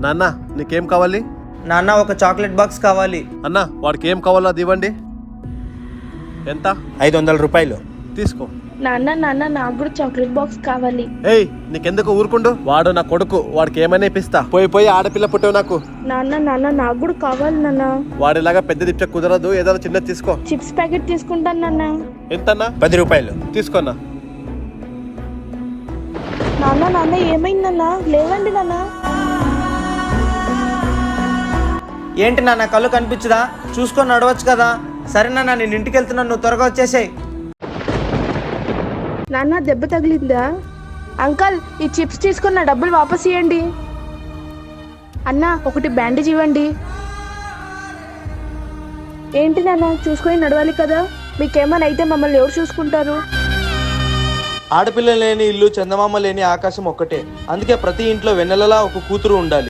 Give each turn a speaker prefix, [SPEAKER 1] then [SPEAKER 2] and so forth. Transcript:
[SPEAKER 1] నాన్న నీకేం కావాలి?
[SPEAKER 2] నాన్న ఒక చాక్లెట్ బాక్స్ కావాలి.
[SPEAKER 1] అన్న వాడికి ఏం కావాలో అది ఇవ్వండి. ఎంత?
[SPEAKER 2] 500 రూపాయలు.
[SPEAKER 1] తీసుకో.
[SPEAKER 3] నాన్న నాన్న నాకు కూడా చాక్లెట్ బాక్స్ కావాలి.
[SPEAKER 1] ఏయ్ నీకెందుకు ఊరుకుండు? వాడు నా కొడుకు, వాడికి ఏమైనా ఇప్పిస్తా. పోయి ఆడపిల్ల పుట్టావు నాకు.
[SPEAKER 3] నాన్న నాన్న నాకు కూడా కావాలి నాన్న.
[SPEAKER 1] వాడిలాగా పెద్ద తిప్ప కుదరదు, ఏదైనా చిన్నది తీసుకో.
[SPEAKER 3] చిప్స్ ప్యాకెట్ తీసుకుంటాను నాన్న.
[SPEAKER 1] ఎంతన్నా?
[SPEAKER 2] 10 రూపాయలు.
[SPEAKER 1] తీసుకోన్నా.
[SPEAKER 3] నాన్న నాన్న ఏమైంది నాన్న? లేవండి నాన్న.
[SPEAKER 2] ఏంటి నాన్న కళ్ళు కనిపించదా? చూసుకొని నడవచ్చు కదా. సరే నాన్న నేను ఇంటికి వెళ్తున్నాను, నువ్వు త్వరగా వచ్చేసేయ్.
[SPEAKER 3] నాన్న దెబ్బ తగిలిందా? అంకల్ ఈ చిప్స్ తీసుకున్న డబ్బులు వాపస్ ఇవ్వండి. అన్న ఒకటి బ్యాండేజ్ ఇవ్వండి. ఏంటి నాన్న చూసుకొని నడవాలి కదా, మీకేమైనా అయితే మమ్మల్ని ఎవరు చూసుకుంటారు?
[SPEAKER 4] ఆడపిల్ల లేని ఇల్లు, చందమామ లేని ఆకాశం ఒక్కటే. అందుకే ప్రతి ఇంట్లో వెన్నెలలా ఒక కూతురు ఉండాలి.